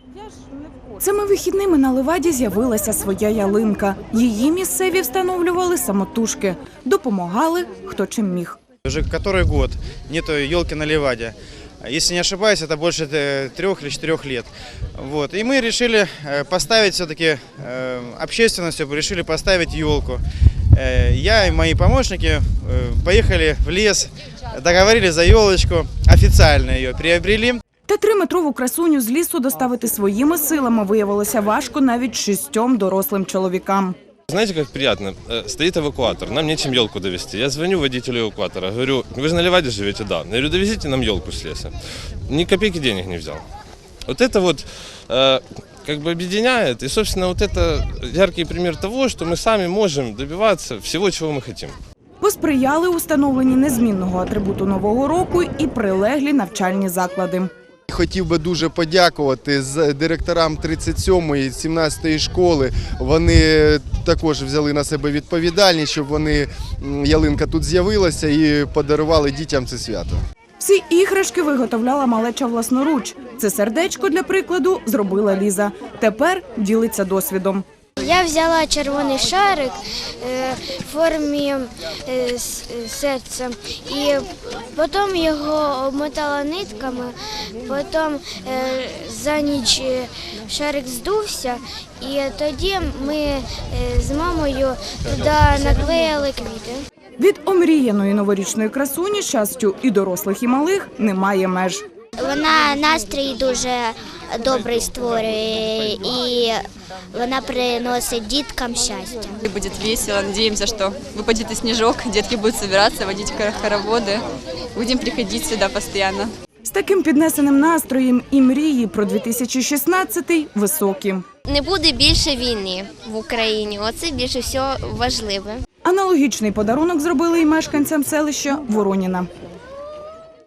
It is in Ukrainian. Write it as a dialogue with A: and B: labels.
A: Цими вихідними на Леваді з'явилася своя ялинка. Її місцеві встановлювали самотужки. Допомагали, хто чим міг.
B: Уже который год нету елки на Леваде. Если не ошибаюсь, это больше 3 или 4 лет. Вот. И мы решили поставить все-таки, общественностью решили поставить елку. Я и мои помощники поехали в лес, договорились за елочку, официально ее приобрели.
A: Та 3-метрову красуню з лісу доставити своїми силами виявилося важко навіть 6 дорослим чоловікам.
C: Знаете, как приятно? Стоит эвакуатор, нам нечем елку довезти. Я звоню водителю эвакуатора, говорю, вы же на Леваде живете? Да. Я говорю, довезите нам елку с леса. Ни копейки денег не взял. Вот это вот как бы объединяет. И, собственно, вот это яркий пример того, что мы сами можем добиваться всего, чего мы хотим.
A: Посприяли установленні незмінного атрибуту Нового року і прилеглі навчальні заклади.
D: Хотів би дуже подякувати директорам 37-ї і 17-ї школи. Вони також взяли на себе відповідальність, щоб ялинка тут з'явилася і подарували дітям це свято.
A: Всі іграшки виготовляла малеча власноруч. Це сердечко, для прикладу, зробила Ліза. Тепер ділиться досвідом.
E: Я взяла червоний шарик в формі серця і потім його обмотала нитками, потім за ніч шарик здувся і тоді ми з мамою туди наклеїли квіти.
A: Від омріяної новорічної красуні щастю і дорослих, і малих немає меж.
E: Вона настрій дуже добрий створює і вона приносить діткам щастя.
F: Буде весело, надіємося, що випаде сніжок, дітки будуть збиратися, водити хороводи, будемо приходити сюди постійно.
A: З таким піднесеним настроєм і мрії про 2016-й високі.
E: Не буде більше війни в Україні, оце більше всього важливе.
A: Аналогічний подарунок зробили і мешканцям селища Вороніна.